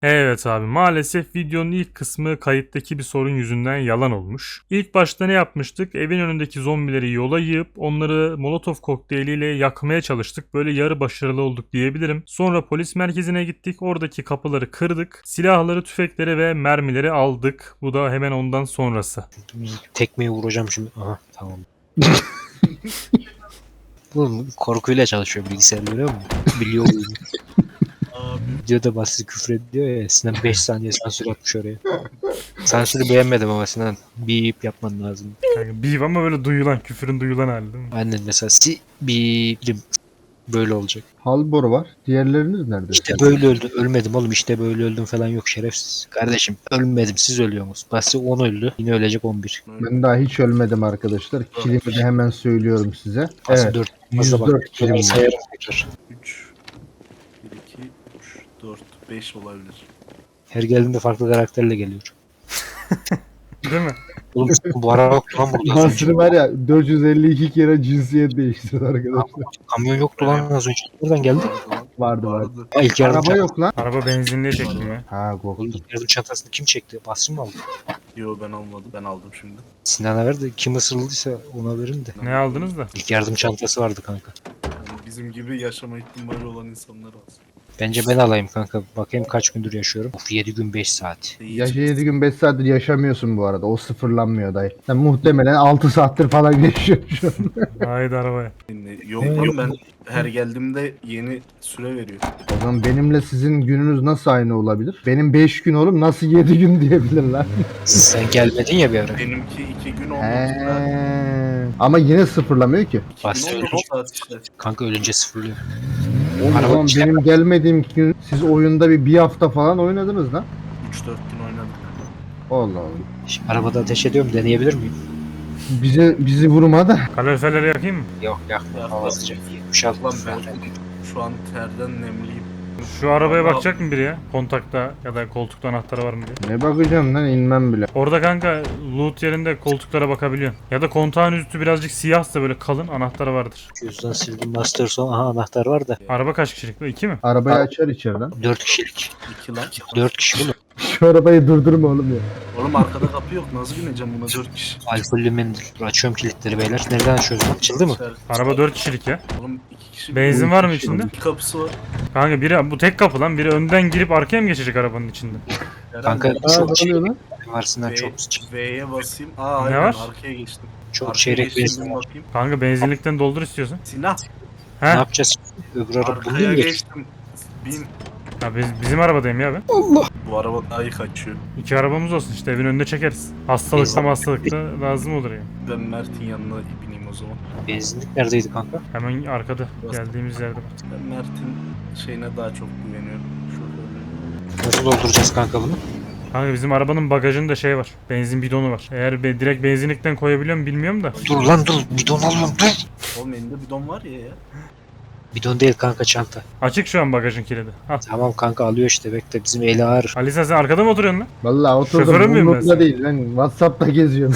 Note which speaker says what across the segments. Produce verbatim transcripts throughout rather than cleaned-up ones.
Speaker 1: Evet abi, maalesef videonun ilk kısmı kayıttaki bir sorun yüzünden yalan olmuş. İlk başta ne yapmıştık? Evin önündeki zombileri yola yığıp onları molotof kokteyliyle yakmaya çalıştık. Böyle yarı başarılı olduk diyebilirim. Sonra polis merkezine gittik. Oradaki kapıları kırdık. Silahları, tüfekleri ve mermileri aldık. Bu da hemen ondan sonrası.
Speaker 2: Tekmeyi vuracağım şimdi. Aha tamam. Bu korkuyla çalışıyor bilgisayar, görüyor musun? Biliyor oyunu. Videoda basit küfür ediyor ya. Sinan beş saniye sansür atmış oraya. Sansürü beğenmedim ama Sinan. Bip yapman lazım.
Speaker 1: Yani bir ama böyle duyulan, küfürün duyulan hali değil mi?
Speaker 2: Aynen, mesela si bip böyle olacak.
Speaker 3: Halbor var. Diğerleriniz nerede?
Speaker 2: İşte böyle öldüm. Ölmedim oğlum, işte böyle öldüm falan yok şerefsiz. Kardeşim ölmedim, siz ölüyorsunuz. Basi on öldü. Yine ölecek on bir.
Speaker 3: Ben daha hiç ölmedim arkadaşlar. Kilimi de hemen söylüyorum size.
Speaker 2: Basi
Speaker 3: Evet.
Speaker 2: dört. Fazla bak.
Speaker 3: yüz dört kilim var.
Speaker 2: Sayarım tekrar.
Speaker 4: üç, bir, iki, üç, dört, beş olabilir.
Speaker 2: Her geldiğinde farklı karakterle geliyor.
Speaker 1: Değil mi?
Speaker 2: Oğlum bu ara yok lan burada. az önce.
Speaker 3: Nasıl var ya dört yüz elli iki kere cinsiyet değiştirdi arkadaşlar.
Speaker 2: Kamyon yoktu lan az önce. Nereden geldi?
Speaker 3: Vardı vardı.
Speaker 2: Aa, ilk yardım
Speaker 3: Araba
Speaker 2: çantası.
Speaker 3: yok lan.
Speaker 1: Araba benzinliğe çektim ya.
Speaker 3: Ha
Speaker 2: Oğlum,
Speaker 3: korktum.
Speaker 2: ilk yardım çantasını kim çekti? Basri mı aldı?
Speaker 4: Yo, ben almadım. Ben aldım şimdi.
Speaker 2: Sinan'a ver de kim ısırıldıysa ona verin de.
Speaker 1: Ne aldınız da?
Speaker 2: İlk yardım çantası vardı kanka.
Speaker 4: Yani bizim gibi yaşama ihtimali olan insanlar alsın.
Speaker 2: Bence ben alayım kanka. Bakayım kaç gündür yaşıyorum. Of, yedi gün beş saat.
Speaker 3: Yaşı yedi gün beş saattir yaşamıyorsun bu arada. O sıfırlanmıyor dayı. Sen muhtemelen altı saattir falan yaşıyorsun şu an.
Speaker 1: Haydi arabaya.
Speaker 4: Yok lan, ben her geldiğimde yeni süre veriyor.
Speaker 3: O zaman benimle sizin gününüz nasıl aynı olabilir? Benim beş gün oğlum, nasıl yedi gün diyebilirler.
Speaker 2: Sen gelmedin ya bir ara.
Speaker 4: Benimki iki gün oldu.
Speaker 3: He. Ama yine sıfırlamıyor ki.
Speaker 2: Bastı
Speaker 4: iki gün oldu
Speaker 2: ölünce.
Speaker 4: saat işte.
Speaker 2: Kanka ölünce sıfırlıyor.
Speaker 3: O
Speaker 2: Araba
Speaker 3: zaman
Speaker 2: işte-
Speaker 3: benim gelmediğim gün siz oyunda bir bir hafta falan oynadınız lan.
Speaker 4: üç dört gün oynadık.
Speaker 3: Allah Allah.
Speaker 2: Şimdi arabada ateş ediyorum, deneyebilir miyim?
Speaker 3: Bize bizi vurma da.
Speaker 1: Kaloriferleri yakayım mı?
Speaker 2: Yok yakma,
Speaker 4: Yakma.
Speaker 2: hava sıcak. yetmiş altı
Speaker 4: Lan ben şu an terden nemliyim.
Speaker 1: Şu arabaya
Speaker 4: Vallahi-
Speaker 1: bakacak mı biri ya? Kontakta ya da koltukta anahtarı var mı diye.
Speaker 3: Ne bakacağım lan, inmem bile.
Speaker 1: Orada kanka loot yerinde koltuklara bakabiliyorsun. Ya da kontağın üstü birazcık siyahsa böyle kalın anahtarı vardır.
Speaker 2: Cüzdan sildim, master son. Aha anahtar var da.
Speaker 1: Araba kaç kişilik? İki mi?
Speaker 3: Arabayı açar içeriden.
Speaker 2: dört kişilik.
Speaker 4: İki lan.
Speaker 2: dört kişi bunu.
Speaker 3: Şu arabayı durdurma oğlum ya.
Speaker 4: Oğlum arkada kapı yok. Nasıl bineceğim buna dört kişi?
Speaker 2: Alkollü mendil. Dur, açıyorum kilitleri beyler. Nereden açıyoruz? Açıldı mı?
Speaker 4: İçeride-
Speaker 1: Araba dört kişilik ya.
Speaker 4: Oğlum iki kişi.
Speaker 1: Benzin var mı içinde?
Speaker 4: İki kapısı var.
Speaker 1: Kanka biri bu tek kapı lan. Biri önden girip arkaya mı geçecek arabanın içinde?
Speaker 2: Kanka
Speaker 4: Herhalde.
Speaker 3: Aa,
Speaker 2: çok
Speaker 3: ne
Speaker 2: şey
Speaker 3: oluyor lan?
Speaker 2: varsından
Speaker 4: V-
Speaker 2: çok
Speaker 4: V'ye basayım. Aa
Speaker 1: Ne
Speaker 4: aynen
Speaker 1: var?
Speaker 4: arkaya geçtim.
Speaker 2: çok
Speaker 4: Arkaya
Speaker 2: çeyrek
Speaker 4: geçtim,
Speaker 2: benzin
Speaker 4: bir
Speaker 2: var.
Speaker 4: bakayım.
Speaker 1: Kanka benzinlikten doldur istiyorsan.
Speaker 4: Silah.
Speaker 2: Ne
Speaker 1: He?
Speaker 2: yapacağız? Öbür araba
Speaker 4: Arkaya
Speaker 2: bulayım ya.
Speaker 4: geçtim. Bin.
Speaker 1: Ya biz, bizim arabadayım ya ben.
Speaker 4: Bu araba daha iyi kaçıyor.
Speaker 1: İki arabamız olsun işte, evin önüne çekeriz. Hastalıkta hastalıkta lazım olur ya.
Speaker 4: Ben Mert'in yanına bineyim o zaman.
Speaker 2: Benzinlik neredeydi kanka?
Speaker 1: Hemen arkada geldiğimiz yerde bak.
Speaker 4: Ben Mert'in şeyine daha çok güveniyorum. Şoförlüğüne.
Speaker 2: Nasıl dolduracağız kanka bunu?
Speaker 1: Kanka bizim arabanın bagajında şey var. Benzin bidonu var. Eğer be, direkt benzinlikten koyabiliyor mu bilmiyorum da.
Speaker 2: Dur lan dur. Bidon alıyorum dur.
Speaker 4: Oğlum elinde bidon var ya ya.
Speaker 2: Bidon değil kanka, çanta.
Speaker 1: Açık şu an bagajın kilidi. Al.
Speaker 2: Tamam kanka, alıyor işte, bekle, bizim eli ağır.
Speaker 1: Alisa sen arkada mı oturuyorsun lan?
Speaker 3: Vallahi oturdum.
Speaker 1: Şoförü müyüm ben
Speaker 3: Umurumda
Speaker 1: sen?
Speaker 3: değil. Ben WhatsApp'ta geziyorum.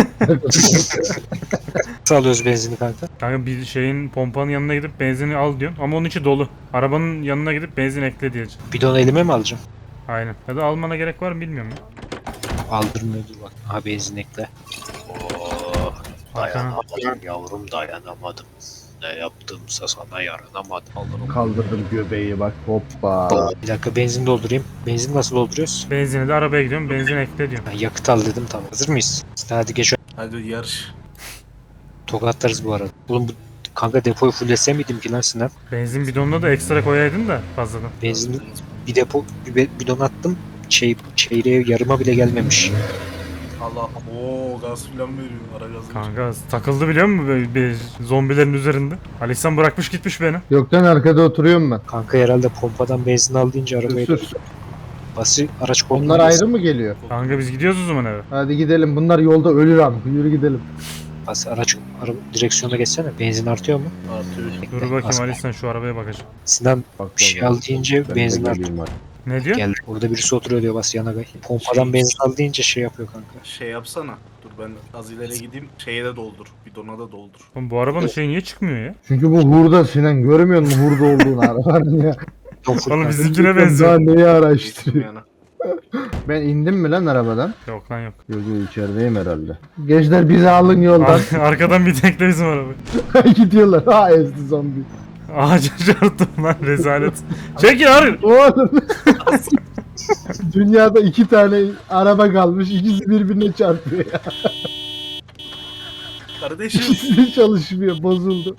Speaker 2: Nasıl alıyoruz benzini kanka?
Speaker 1: Kanka bir şeyin pompanın yanına gidip benzini al diyorsun ama onun içi dolu. Arabanın yanına gidip benzin ekle diyeceksin.
Speaker 2: Bidonu elime mi alacağım?
Speaker 1: Aynen. Ya da almana gerek var mı bilmiyorum ya.
Speaker 2: Aldırmıyor, dur bak. Aha benzin ekle. Oh, dayanamadım yavrum, dayanamadım. Ne yaptımsa sana yaranamadım. Alırım.
Speaker 3: Kaldırdım göbeği bak, hoppa.
Speaker 2: Bir dakika, benzin doldurayım. Benzin nasıl dolduruyoruz?
Speaker 1: Benzini de arabaya gidiyorum, benzin ekle diyorum.
Speaker 2: Ben yakıt al dedim, tamam. Hazır mıyız? Hadi geç.
Speaker 4: Hadi yarış.
Speaker 2: Tokatlarız bu arada. Oğlum bu kanka depoyu fullese miydim ki lan Sinan?
Speaker 1: Benzin bidonuna da ekstra koyaydın da fazladan.
Speaker 2: Benzin bir depo bir be- bidon attım. Şey çeyreğe yarıma bile gelmemiş.
Speaker 4: Allah. Oo gaz filan veriyor. Ara gazı.
Speaker 1: Kanka takıldı biliyor musun böyle bir zombilerin üzerinde? Alisan bırakmış gitmiş beni.
Speaker 3: Yoktan arkada oturuyorum ben.
Speaker 2: Kanka herhalde pompadan benzin al deyince arabayı
Speaker 3: Sür, sür.
Speaker 2: bası araç koltuğuna
Speaker 3: Onlar
Speaker 2: gelsin.
Speaker 3: ayrı mı geliyor?
Speaker 1: Kanka biz gidiyoruz o zaman eve.
Speaker 3: Hadi gidelim. Bunlar yolda ölür am. Yürü gidelim.
Speaker 2: Bası araç araba direksiyona geçsene. Benzin artıyor mu?
Speaker 4: Artıyor.
Speaker 1: Dur bakayım Alisan şu arabaya bakacağım.
Speaker 2: Sinan
Speaker 3: Bak,
Speaker 2: bir şey al deyince benzin artıyor.
Speaker 1: Ne diyor?
Speaker 2: Geldi. Orada birisi oturuyor diyor, bas yana gay. Pompadan
Speaker 4: Şey-
Speaker 2: benzin al deyince şey yapıyor kanka.
Speaker 4: Şey yapsana. Dur ben az ileri gideyim. Şeye de doldur. Bidona da doldur.
Speaker 1: Oğlum bu arabanın şeyi niye çıkmıyor ya?
Speaker 3: Çünkü bu hurda Sinan. Görmüyor musun hurda olduğunu arabanın ya?
Speaker 1: Oğlum bizimkine
Speaker 3: Daha
Speaker 1: benziyor.
Speaker 3: neyi
Speaker 4: Geçtim
Speaker 3: araştırıyor?
Speaker 4: yana.
Speaker 3: Ben indim mi lan arabadan?
Speaker 1: Yok lan yok.
Speaker 3: Yok yok içerideyim herhalde. Gençler bizi alın yoldan.
Speaker 1: Ar- arkadan bir tekle bizim araba.
Speaker 3: Gidiyorlar. Ha ezdi zombi.
Speaker 1: Ağaca çarptım lan rezalet. Çekil hayır.
Speaker 3: Oğlum. Dünyada iki tane araba kalmış. İkisi birbirine çarpıyor ya.
Speaker 4: Kardeşim.
Speaker 3: İkisi de çalışmıyor. Bozuldu.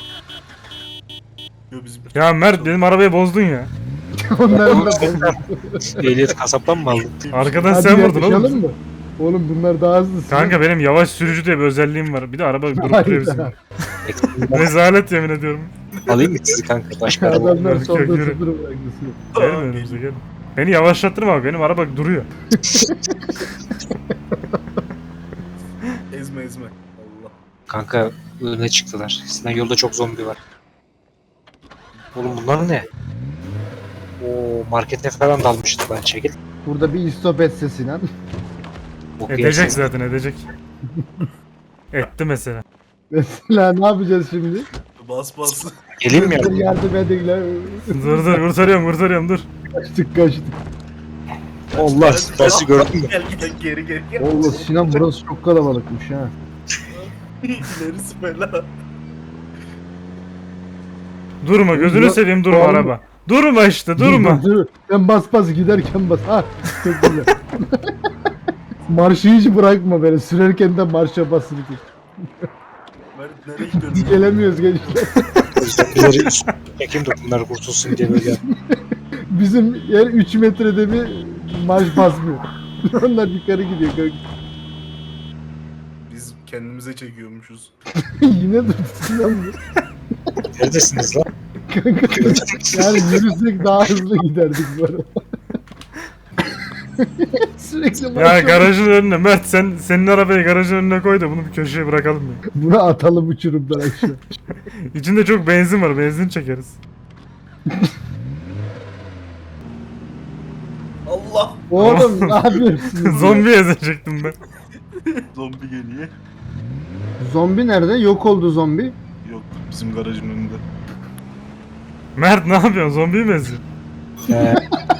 Speaker 4: Yo, bizim...
Speaker 1: Ya Mert benim arabayı bozdun ya.
Speaker 3: Onların da bozuldu.
Speaker 2: Ehliyet kasaptan mı aldın?
Speaker 1: Arkadan
Speaker 3: Hadi
Speaker 1: sen vurdun
Speaker 3: yarışalım
Speaker 1: oğlum.
Speaker 3: mı? Oğlum bunlar daha hızlı.
Speaker 1: Kanka benim yavaş sürücü diye bir özelliğim var. Bir de araba durup
Speaker 3: Hayda.
Speaker 1: duruyor bizim. Rezalet yemin ediyorum.
Speaker 2: Alayım mı sizi kanka? Başka araba.
Speaker 3: Adamlar
Speaker 1: Yok,
Speaker 3: solda
Speaker 1: yok, yürü.
Speaker 3: sıfır bırakmışsın.
Speaker 1: Gelin önümüze gelin. Beni yavaşlattırma bak benim araba duruyor.
Speaker 4: Ezme ezme. Allah.
Speaker 2: Kanka öne çıktılar. Sizden yolda çok zombi var. Oğlum bunlar ne? Oo markete falan dalmıştı ben çekil.
Speaker 3: Burada bir istop etse Sinan.
Speaker 2: Bok
Speaker 1: Edecek
Speaker 2: yersin.
Speaker 1: zaten edecek. Etti mesela.
Speaker 3: Mesela ne yapacağız şimdi?
Speaker 4: Bas bas.
Speaker 2: Geleyim mi yardım?
Speaker 3: Yardım edin lan.
Speaker 1: Dur dur kurtarıyorum kurtarıyorum dur.
Speaker 3: Kaçtık kaçtık.
Speaker 2: Allah sizi gördün mü?
Speaker 4: Gel gel geri geri gel.
Speaker 3: Allah Sinan burası çok kalabalıkmış ha.
Speaker 4: İlerisi fena.
Speaker 1: Durma gözünü
Speaker 3: Dur,
Speaker 1: seveyim durma
Speaker 3: oğlum.
Speaker 1: araba. Durma işte durma.
Speaker 3: Dur, dur. Ben bas bas giderken bas. Ha çok güzel. Marşı hiç bırakma beni. Sürerken de marşa basılı tut.
Speaker 4: Mert nereye gidiyoruz?
Speaker 3: Biz gelemiyoruz gençler.
Speaker 2: Zombileri üstüne çekeyim de bunlar kurtulsun diye böyle yaptım.
Speaker 3: Bizim yer üç metrede bir marş basmıyor. Onlar yukarı gidiyor. kanka.
Speaker 4: Biz kendimize çekiyormuşuz.
Speaker 3: Yine dur Sinan bu.
Speaker 2: Neredesiniz lan?
Speaker 3: Kanka yani yürüsek daha hızlı giderdik bu arada. Sürekli
Speaker 1: Ya
Speaker 3: marşa-
Speaker 1: garajın önüne Mert sen senin arabayı garajın önüne koy da bunu bir köşeye bırakalım ya.
Speaker 3: Bunu atalım uçurumdan aşağı.
Speaker 1: İçinde çok benzin var benzin çekeriz.
Speaker 4: Allah.
Speaker 3: Oğlum ne yapıyorsun?
Speaker 1: Zombi ezecektim ben.
Speaker 4: Zombi geliyor.
Speaker 3: Zombi nerede? Yok oldu zombi.
Speaker 4: Yok bizim garajın önünde.
Speaker 1: Mert ne yapıyorsun zombiyi mi eziyorsun?
Speaker 2: Ee,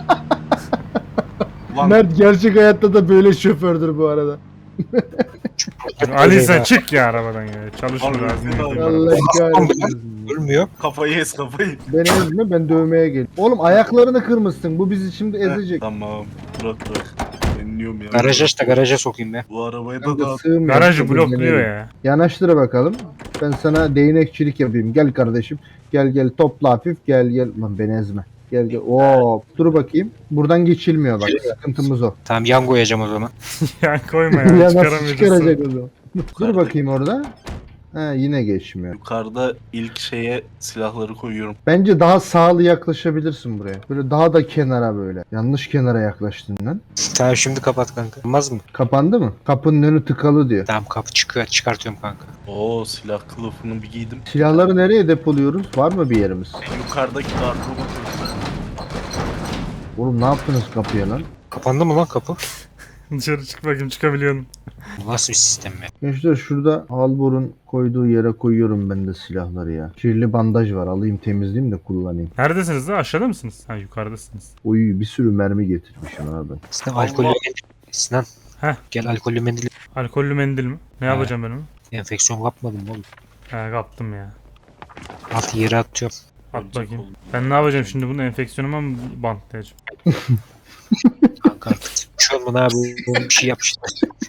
Speaker 4: Ulan
Speaker 3: Mert gerçek hayatta da böyle şofördür bu arada.
Speaker 1: Ali sen çık ya arabadan ya. Çalışma
Speaker 4: Abi,
Speaker 1: lazım.
Speaker 4: abi.
Speaker 1: yapayım
Speaker 3: Allah
Speaker 1: arabada.
Speaker 3: kahretsin.
Speaker 2: ölmüyor.
Speaker 4: kafayı ez kafayı.
Speaker 3: Ben ezme ben dövmeye gel. Oğlum ayaklarını kırmışsın. Bu bizi şimdi
Speaker 4: Heh,
Speaker 3: ezecek.
Speaker 4: Tamam. Bırak bırak. Ben iniyorum ya.
Speaker 2: Garaj aç da garaja sokayım be.
Speaker 4: Bu arabaya da
Speaker 3: Kanka
Speaker 4: dağıt.
Speaker 3: sığmıyor.
Speaker 1: Garajı
Speaker 3: Çok
Speaker 1: blokluyor
Speaker 3: izlenelim.
Speaker 1: ya.
Speaker 3: Yanaştır bakalım. Ben sana değnekçilik yapayım. Gel kardeşim. Gel gel topla hafif. Gel gel. Lan beni ezme. Gel gel. Oo, dur bakayım. Buradan geçilmiyor bak. Sıkıntımız o.
Speaker 2: Tamam yan koyacağım o zaman.
Speaker 1: Ya koyma
Speaker 3: Ya,
Speaker 1: ya
Speaker 3: nasıl
Speaker 1: çıkaramayacağız.
Speaker 3: çıkaracak o zaman? Dur bakayım orada. Ha yine geçmiyor.
Speaker 4: Yukarıda ilk şeye silahları koyuyorum.
Speaker 3: Bence daha sağlı yaklaşabilirsin buraya. Böyle daha da kenara böyle. Yanlış kenara yaklaştın lan.
Speaker 2: Tamam şimdi kapat kanka. Olmaz mı?
Speaker 3: Kapandı mı? Kapının önü tıkalı diyor.
Speaker 2: Tamam kapı çıkıyor çıkartıyorum kanka.
Speaker 4: Oo silah kılıfını bir giydim.
Speaker 3: Silahları nereye depoluyoruz? Var mı bir yerimiz?
Speaker 4: Yukarıdaki gardıroba koydum.
Speaker 3: Oğlum ne yaptınız kapıya lan?
Speaker 2: Kapandı mı lan kapı?
Speaker 1: Dışarı çık bakayım çıkabiliyorsun.
Speaker 2: Bu nasıl bir sistem ya?
Speaker 3: Gençler şurada Halbor'un koyduğu yere koyuyorum ben de silahları ya. Kirli bandaj var alayım temizleyeyim de kullanayım.
Speaker 1: Neredesiniz lan aşağıda mısınız? Ha yukarıdasınız.
Speaker 3: Oy bir sürü mermi getirmişim abi ben.
Speaker 2: Sinan
Speaker 4: Allah.
Speaker 2: alkollü mendil. Sinan.
Speaker 1: Heh.
Speaker 2: Gel alkollü mendil.
Speaker 1: Alkollü mendil mi? Ne
Speaker 2: Ha.
Speaker 1: yapacağım ben onu?
Speaker 2: Enfeksiyon kapmadım oğlum.
Speaker 1: Ha kaptım ya.
Speaker 2: Altı yere atıyorum.
Speaker 1: At
Speaker 4: Ölecek
Speaker 1: bakayım.
Speaker 4: oldum.
Speaker 1: Ben ne yapacağım şimdi bunu enfeksiyonuma mı bantlayacağım?
Speaker 2: Kanka artık. Şu an abi bir şey yap işte.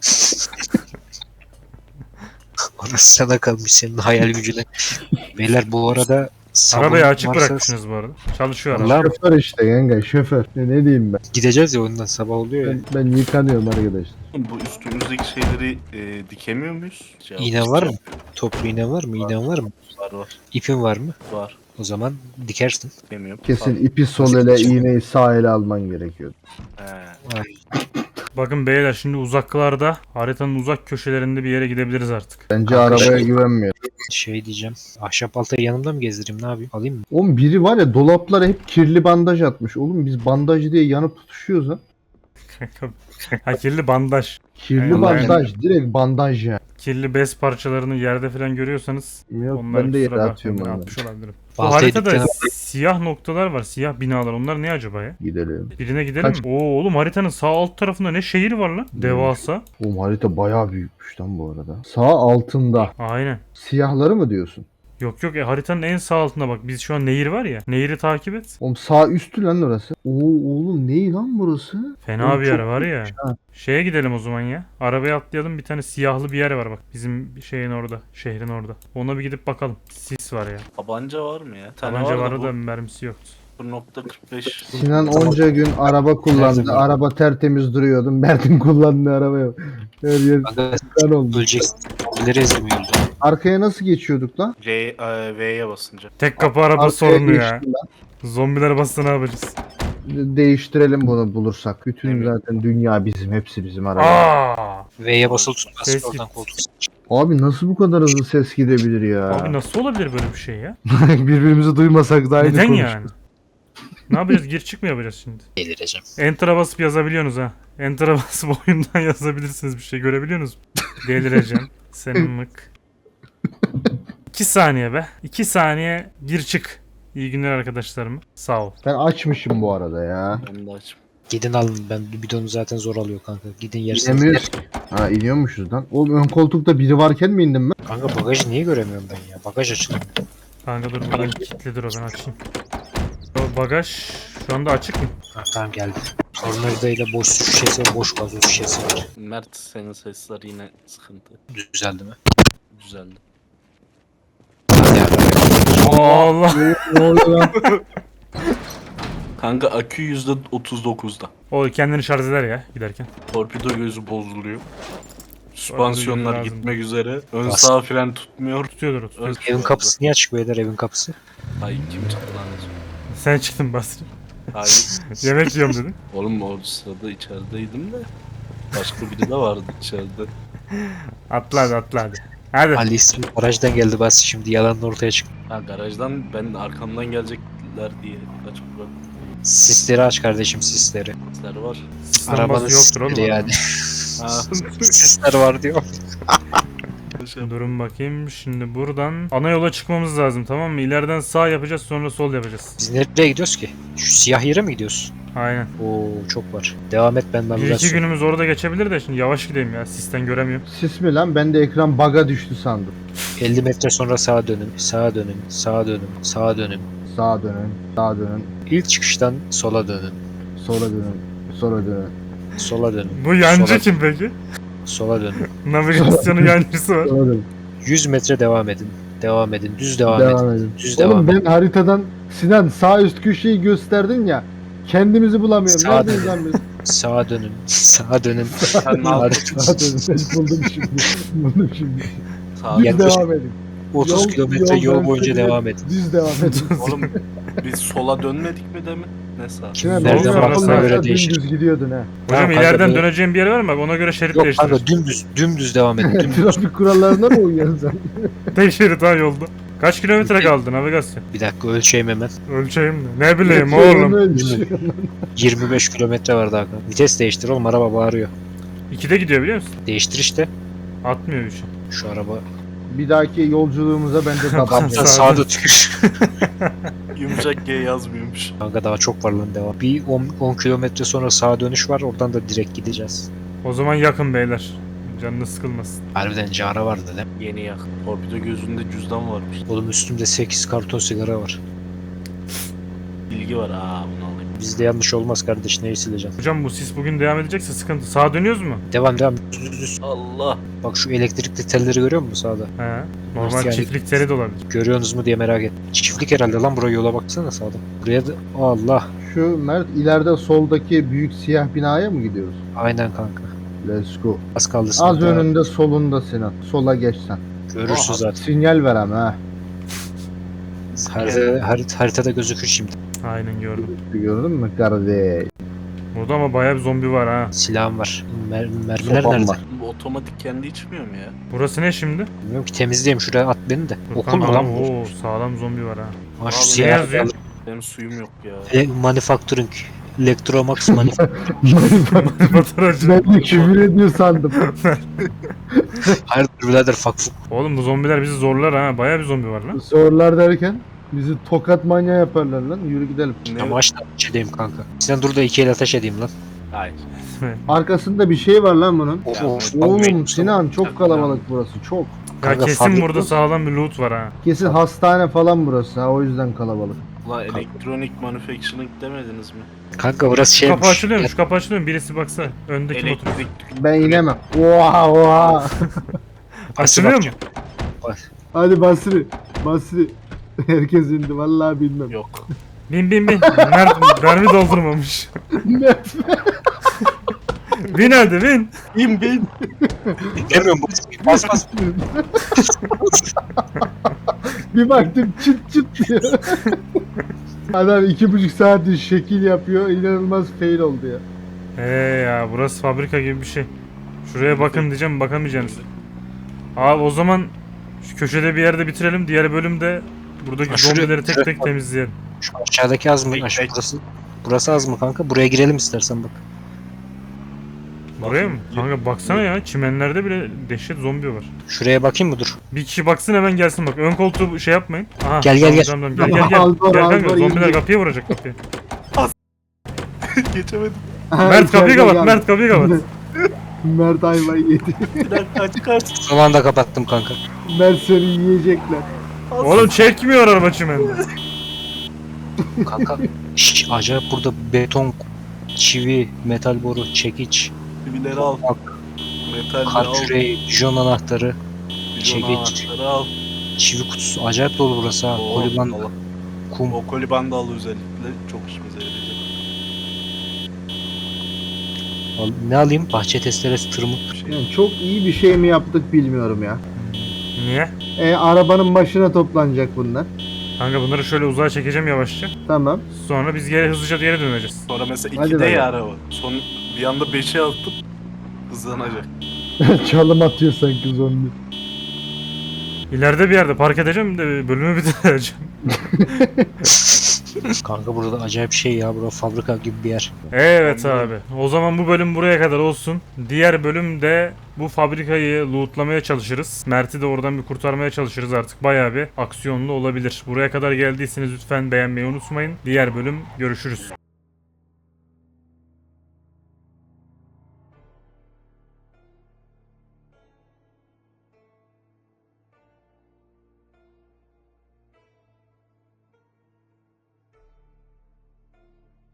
Speaker 2: Orası sana kalmış senin hayal gücüne. Beyler bu arada sabun
Speaker 1: Arabayı açık
Speaker 2: varsa
Speaker 1: bırakmışsınız bu arada. Çalışıyor araba.
Speaker 2: Vallahi mi?
Speaker 3: Şoför işte yenge şoför. Ne, ne diyeyim ben?
Speaker 2: Gideceğiz ya ondan sabah oluyor ya.
Speaker 3: Ben, ben yıkanıyorum arkadaşlar.
Speaker 4: Bu üstümüzdeki şeyleri e, dikemiyor muyuz? Cevap
Speaker 2: İğne var mı?
Speaker 4: istiyorum.
Speaker 2: Toplu iğne var mı? İğnen var mı?
Speaker 4: Var var.
Speaker 2: İpin var mı?
Speaker 4: Var.
Speaker 2: O zaman dikersin.
Speaker 4: Dikemiyorum.
Speaker 3: Kesin
Speaker 4: Var.
Speaker 3: ipi sol ele iğneyi sağ ele alman gerekiyor.
Speaker 4: He.
Speaker 2: Ay,
Speaker 1: Bakın beyler şimdi uzaklarda haritanın uzak köşelerinde bir yere gidebiliriz artık.
Speaker 3: Bence
Speaker 2: Kanka
Speaker 3: arabaya
Speaker 2: şey-
Speaker 3: güvenmiyor.
Speaker 2: şey diyeceğim. Ahşap baltayı yanımda mı gezdireyim ne yapayım? Alayım mı?
Speaker 3: Oğlum biri var ya dolaplara hep kirli bandaj atmış. Oğlum biz bandaj diye yanıp tutuşuyoruz ha.
Speaker 1: ha kirli bandaj.
Speaker 3: Kirli
Speaker 1: Aynen.
Speaker 3: bandaj direkt bandaj ya.
Speaker 1: Kirli bez parçalarını yerde falan görüyorsanız
Speaker 3: Yok
Speaker 1: onları
Speaker 3: ben de yere
Speaker 1: kusura
Speaker 3: atıyorum
Speaker 1: bakmayın,
Speaker 3: onları.
Speaker 1: atmış olabilirim. Bu
Speaker 2: Baltayı
Speaker 1: haritada
Speaker 2: dükkana
Speaker 1: siyah noktalar var. Siyah binalar. Onlar ne acaba ya?
Speaker 3: Gidelim.
Speaker 1: Birine gidelim
Speaker 3: Kaç-
Speaker 1: mi? Oo oğlum haritanın sağ alt tarafında ne şehir var lan? Devasa.
Speaker 3: Oğlum harita bayağı büyükmüş lan bu arada. Sağ altında.
Speaker 1: Aynen.
Speaker 3: Siyahları mı diyorsun?
Speaker 1: Yok yok e, haritanın en sağ altında bak. Biz şu an nehir var ya. Nehri takip et.
Speaker 3: Oğlum sağ üstü lan orası. Oo oğlum ne lan burası?
Speaker 1: Fena
Speaker 3: Oğlum
Speaker 1: bir
Speaker 3: çok
Speaker 1: yer var ya.
Speaker 3: ha.
Speaker 1: Şeye gidelim o zaman ya. Arabaya atlayalım, bir tane siyahlı bir yer var bak. Bizim şeyin orada. Şehrin orada. Ona bir gidip bakalım. Sis var ya.
Speaker 4: Tabanca var mı ya? Tane
Speaker 1: Tabanca
Speaker 4: var
Speaker 1: vardı
Speaker 4: da
Speaker 1: da mermisi yoktu.
Speaker 4: bu nokta kırk beş.
Speaker 3: Sinan onca gün araba kullandı.
Speaker 2: Nerede bu?
Speaker 3: Araba tertemiz duruyordu. Mert'in kullandığı araba yok. Her yer
Speaker 2: Kanka
Speaker 3: kan oldu.
Speaker 2: öleceksin. Zombileri ezemiyordu.
Speaker 3: Arkaya nasıl geçiyorduk lan?
Speaker 4: R, e, V'ye basınca.
Speaker 1: Tek kapı araba
Speaker 3: Arkaya
Speaker 1: sorunu ya.
Speaker 3: geçtim lan.
Speaker 1: Zombiler bassa ne yapacağız?
Speaker 3: De- Değiştirelim bunu bulursak. Bütün
Speaker 4: Evet.
Speaker 3: zaten dünya bizim. Hepsi bizim araba.
Speaker 1: Aa!
Speaker 2: V'ye basılı tutmaz.
Speaker 1: Ses
Speaker 2: Oradan
Speaker 1: git.
Speaker 2: koltuk.
Speaker 3: Abi nasıl bu kadar hızlı ses gidebilir ya?
Speaker 1: Abi nasıl olabilir böyle bir şey ya?
Speaker 3: Birbirimizi duymasak da aynı
Speaker 1: Neden
Speaker 3: konuşuruz.
Speaker 1: yani? Ne yapacağız? Gir çık mı yapacağız şimdi?
Speaker 2: Delireceğim.
Speaker 1: Enter'a basıp yazabiliyorsunuz ha. Enter'a basıp oyundan yazabilirsiniz bir şey. Görebiliyorsunuz mu? Delireceğim. Senin mık. İki saniye be. İki saniye gir çık. İyi günler arkadaşlarım. Sağ ol.
Speaker 3: Ben açmışım bu arada ya.
Speaker 4: Ben de açım.
Speaker 2: Gidin alın. Ben bidonu zaten zor alıyor kanka. Gidin yersiniz.
Speaker 3: İnemiyoruz. Ha iniyormuşuz lan. Oğlum ön koltukta biri varken mi indim ben?
Speaker 2: Kanka bagajı niye göremiyorum ben ya? Bagaj açılıyor.
Speaker 1: Kanka dur buradan kilitlidir o, ben açayım. O bagaj şu anda açık mı?
Speaker 2: Ha, tamam geldi. Tornavida ile boş su şişesi ve boş gazoz şişesi var.
Speaker 4: Mert senin sesler yine sıkıntı.
Speaker 2: Düzeldi mi?
Speaker 4: Güzeldi.
Speaker 2: Hadi abi.
Speaker 1: Allah.
Speaker 3: Ne oluyor lan?
Speaker 4: Kanka akü yüzde otuz dokuzda.
Speaker 1: O kendini şarj eder ya giderken.
Speaker 4: Torpido gözü bozuluyor. Süspansiyonlar
Speaker 1: lazım.
Speaker 4: gitmek üzere. Ön
Speaker 2: Bas.
Speaker 4: sağ fren tutmuyor.
Speaker 1: Tutuyordur o, tutuyordur.
Speaker 4: Ön
Speaker 2: Evin kapısı niye açık beyler evin kapısı?
Speaker 4: Ay kim çıktı lan?
Speaker 1: Sen çıktın Basri.
Speaker 4: Hayır.
Speaker 1: Yemek yiyorum dedin.
Speaker 4: Oğlum o sırada içerideydim de. Başka biri de vardı içeride.
Speaker 1: Atla hadi atla hadi. Hadi.
Speaker 2: Ali ismi garajdan geldi bas şimdi yalan ortaya çıktı.
Speaker 4: Ha garajdan ben arkamdan gelecekler diye kaç bırak.
Speaker 2: Sisleri aç kardeşim sisleri.
Speaker 4: Sesler var.
Speaker 1: Sistem
Speaker 2: Arabanın
Speaker 1: bası yoktur oğlum.
Speaker 2: sisleri yani.
Speaker 4: Ha.
Speaker 2: Sisler var diyor.
Speaker 1: Durun bakayım. Şimdi buradan ana yola çıkmamız lazım, tamam mı? İleriden sağ yapacağız, sonra sol yapacağız.
Speaker 2: Biz nereye gidiyoruz ki? Şu siyah yere mi gidiyoruz?
Speaker 1: Aynen.
Speaker 2: Oo çok var. Devam et ben
Speaker 1: Bir iki
Speaker 2: navigasyon.
Speaker 1: günümüz orada geçebilir de şimdi yavaş gideyim ya. Sisten göremiyorum.
Speaker 3: Sis mi lan? Ben de ekran bug'a düştü sandım.
Speaker 2: elli metre sonra sağa dönün, sağa dönün, sağa dönün, sağa dönün.
Speaker 3: Sağa dönün, sağa dönün,
Speaker 2: İlk çıkıştan sola dönün,
Speaker 3: sola dönün, sola dönün.
Speaker 2: sola dönün,
Speaker 1: Bu yancı
Speaker 2: Sola-
Speaker 1: kim peki?
Speaker 2: sola dönün.
Speaker 1: Navigasyonun yancısı var.
Speaker 3: Sola dönün.
Speaker 2: yüz metre devam edin. Devam edin. Düz devam, edin.
Speaker 3: Devam edin.
Speaker 2: Düz
Speaker 3: Oğlum
Speaker 2: devam edin.
Speaker 3: ben haritadan Sinan sağ üst köşeyi gösterdin ya. Kendimizi bulamıyorum.
Speaker 2: Sağa
Speaker 3: Neredeyiz lan biz?
Speaker 2: Sağa dönün. Sağa dönün.
Speaker 4: Sen ne yaptın?
Speaker 3: Sağa dönün. Ben buldum şimdi. Buldum şimdi.
Speaker 4: Sağ
Speaker 3: Düz
Speaker 2: Yaklaşık
Speaker 3: devam edin.
Speaker 2: otuz
Speaker 3: Yol-
Speaker 2: kilometre
Speaker 3: yol
Speaker 2: yol
Speaker 3: ben
Speaker 2: boyunca
Speaker 3: seni-
Speaker 2: devam edin.
Speaker 3: Düz devam edin.
Speaker 4: Oğlum biz sola dönmedik mi demin? Ne sağ?
Speaker 3: Sinan
Speaker 1: Nereden
Speaker 3: oradan
Speaker 1: baktığına
Speaker 3: soldan
Speaker 2: göre
Speaker 3: aşağı
Speaker 2: değişir.
Speaker 3: Dümdüz gidiyordun ha.
Speaker 1: Hocam
Speaker 2: Tamam, kanka,
Speaker 1: ileriden
Speaker 2: bu-
Speaker 1: döneceğim bir yer var mı? Bak ona göre şerit
Speaker 2: Yok
Speaker 1: değiştirir.
Speaker 2: kanka dümdüz, dümdüz devam edin. Dümdüz.
Speaker 3: Trafik kurallarına mı uyuyorsun sen?
Speaker 1: Tek şerit ha yolda. Kaç kilometre kaldı navigasyon?
Speaker 2: Bir dakika ölçeyim hemen.
Speaker 1: Ölçeyim de. Ne bileyim oğlum.
Speaker 2: yirmi beş kilometre var daha. kanka. Vites değiştir oğlum araba bağırıyor.
Speaker 1: İkide gidiyor biliyor musun?
Speaker 2: Değiştir işte.
Speaker 1: Atmıyor üçü.
Speaker 2: Şu araba.
Speaker 3: Bir dahaki yolculuğumuza ben de
Speaker 1: Tamam.
Speaker 3: tabanca.
Speaker 2: Sen sağda tükür.
Speaker 4: Yumuşak G yazmıyormuş.
Speaker 2: Kanka daha çok var lan devam. Bir on kilometre sonra sağa dönüş var oradan da direkt gideceğiz.
Speaker 1: O zaman yakın beyler. Canınız sıkılmasın.
Speaker 2: Harbiden cara vardı değil mi?
Speaker 4: Yeni yakın. Torpido gözünde cüzdan varmış.
Speaker 2: Oğlum üstümde sekiz karton sigara var.
Speaker 4: Bilgi var. Aa bunu alayım.
Speaker 2: Bizde yanlış olmaz kardeş neyi sileceğim.
Speaker 1: Hocam bu sis bugün devam edecekse sıkıntı. Sağa dönüyoruz mu?
Speaker 2: Devam devam. Düz, düz, düz.
Speaker 4: Allah.
Speaker 2: Bak şu elektrikli telleri görüyor musun sağda?
Speaker 1: He. Normal
Speaker 2: Yani-
Speaker 1: çiftlik teri de olabilir.
Speaker 2: Görüyorsunuz mu diye merak ettim. Çiftlik herhalde lan buraya yola baksana sağda. Buraya da Allah.
Speaker 3: Şu Mert ileride soldaki büyük siyah binaya mı gidiyoruz?
Speaker 2: Aynen kanka.
Speaker 3: Let's go.
Speaker 2: Az kaldı
Speaker 3: Az
Speaker 2: sınıfta.
Speaker 3: önünde solunda Sinan. Sola geçsen.
Speaker 2: Görürsün
Speaker 4: Aha.
Speaker 2: zaten.
Speaker 3: Sinyal ver ama ha.
Speaker 2: Harita, harit, haritada gözükür şimdi.
Speaker 1: Aynen gördüm.
Speaker 3: Gördün mü kardeş?
Speaker 1: Burada ama bayağı bir zombi var ha.
Speaker 2: Silahım var. Mer mermiler
Speaker 3: Sopam
Speaker 2: nerede?
Speaker 3: var.
Speaker 4: Bu otomatik kendi içmiyor mu ya?
Speaker 1: Burası ne şimdi?
Speaker 2: Bilmiyorum ki temizleyeyim şuraya at beni de.
Speaker 1: Dur,
Speaker 2: Okul mu
Speaker 1: tamam.
Speaker 2: lan bu?
Speaker 1: Oo, sağlam zombi var ha.
Speaker 2: Ha şu
Speaker 4: Abi,
Speaker 1: Ne
Speaker 2: siyah.
Speaker 1: yazıyor?
Speaker 4: Benim suyum yok ya.
Speaker 2: E, manufacturing. Electromax manufacturing.
Speaker 1: Fotoğrafçı.
Speaker 3: Ben de küfür ediyor sandım.
Speaker 2: Hayırdır birader fak fuk.
Speaker 1: Oğlum bu zombiler bizi zorlar ha. Bayağı bir zombi var lan.
Speaker 3: Sorular derken Bizi tokat manyağı yaparlar lan. Yürü gidelim.
Speaker 4: Ne?
Speaker 2: Ya başla ateş edeyim kanka. Sinan dur da iki el ateş edeyim lan.
Speaker 4: Hayır.
Speaker 3: Arkasında bir şey var lan bunun.
Speaker 2: Of
Speaker 4: Ya,
Speaker 2: of.
Speaker 3: Oğlum Sinan çok kalabalık burası çok.
Speaker 1: Ya
Speaker 2: Kanka,
Speaker 1: kesin
Speaker 2: fabrika-
Speaker 1: burada sağlam bir loot var ha.
Speaker 3: Kesin hastane falan burası ha o yüzden kalabalık.
Speaker 4: Ulan elektronik manufacturing demediniz mi?
Speaker 2: Kanka burası
Speaker 1: Şu
Speaker 2: şeymiş.
Speaker 1: kapı açılıyor mu? Şu kapı açılıyor mu? Birisi baksa. Öndeki motor.
Speaker 4: Elektrik.
Speaker 3: Ben inemem. Oha oha.
Speaker 1: Açılıyor mu?
Speaker 3: Hadi Basri. Basri. Herkes indi vallahi bilmem.
Speaker 4: Yok.
Speaker 1: Bin bin bin. Mert mermi doldurmamış. Bin hadi bin.
Speaker 4: Bin bin.
Speaker 2: Demiyorum bas bas.
Speaker 3: Bir baktım çıt çıt diyor. Adam iki buçuk saattir şekil yapıyor. İnanılmaz fail oldu ya.
Speaker 1: He ya burası fabrika gibi bir şey. Şuraya bakın diyeceğim bakamayacaksınız. Abi o zaman şu köşede bir yerde bitirelim. Diğer bölümde buradaki
Speaker 2: Ha, şuraya-
Speaker 1: zombileri tek
Speaker 2: şuraya
Speaker 1: tek
Speaker 2: bak.
Speaker 1: temizleyelim.
Speaker 2: Şu aşağıdaki az mı?
Speaker 4: Bek-
Speaker 2: Aşağı
Speaker 4: bek.
Speaker 2: burası. Burası az mı kanka? Buraya girelim istersen bak.
Speaker 1: Buraya mı?
Speaker 4: Bakın,
Speaker 1: Kanka baksana ya çimenlerde bile dehşet zombi var.
Speaker 2: Şuraya bakayım mı dur?
Speaker 1: Bir kişi baksın hemen gelsin bak. Ön koltuğu şey yapmayın. Aha,
Speaker 2: Gel, gel,
Speaker 1: tamam,
Speaker 2: gel.
Speaker 1: tamam, tamam. Gel gel gel.
Speaker 3: Al, doğru,
Speaker 1: Gel
Speaker 3: al,
Speaker 1: kanka
Speaker 3: doğru,
Speaker 1: zombiler
Speaker 3: iyi.
Speaker 1: kapıya vuracak kapıyı.
Speaker 4: Geçemedim.
Speaker 1: Mert kapıyı
Speaker 3: İçeride
Speaker 1: kapat.
Speaker 3: geldi.
Speaker 1: Mert kapıyı kapat.
Speaker 3: Mert ayvayı yedi.
Speaker 4: Bir dakika aç kaç.
Speaker 2: Son anda kapattım kanka.
Speaker 3: Mert seni yiyecekler.
Speaker 1: Oğlum çekmiyor araba çimende.
Speaker 2: Kanka şş, acayip burada beton, çivi, metal boru, çekiç,
Speaker 4: Bileri al. Metal
Speaker 2: kar
Speaker 4: al.
Speaker 2: küreği, bijon anahtarı,
Speaker 4: Bijon
Speaker 2: çekiç.
Speaker 4: anahtarı al.
Speaker 2: çivi kutusu. Acayip dolu burası ha.
Speaker 4: Oo,
Speaker 2: Koliban,
Speaker 4: Allah.
Speaker 2: kum.
Speaker 4: O kolibandı al özellikle. Çok işimize yarayacak.
Speaker 2: Al- Ne alayım? Bahçe testeresi, tırmık.
Speaker 4: Bir şey.
Speaker 3: Yani çok iyi bir şey mi yaptık bilmiyorum ya.
Speaker 1: Niye?
Speaker 3: E, arabanın başına toplanacak bunlar.
Speaker 1: Kanka bunları şöyle uzağa çekeceğim yavaşça.
Speaker 3: Tamam.
Speaker 1: Sonra biz geri hızlıca geri döneceğiz.
Speaker 4: Sonra mesela
Speaker 3: Hadi
Speaker 4: ikide
Speaker 3: bakalım.
Speaker 4: ya araba. Son bir anda beşe atıp hızlanacak.
Speaker 3: Çalım atıyor sanki zombi.
Speaker 1: İleride bir yerde park edeceğim de bölümü bitireceğim.
Speaker 2: Kanka burada acayip şey ya. Burada fabrika gibi bir yer.
Speaker 1: Evet abi. O zaman bu bölüm buraya kadar olsun. Diğer bölümde bu fabrikayı lootlamaya çalışırız. Mert'i de oradan bir kurtarmaya çalışırız artık. Bayağı bir aksiyonlu olabilir. Buraya kadar geldiyseniz lütfen beğenmeyi unutmayın. Diğer bölüm görüşürüz.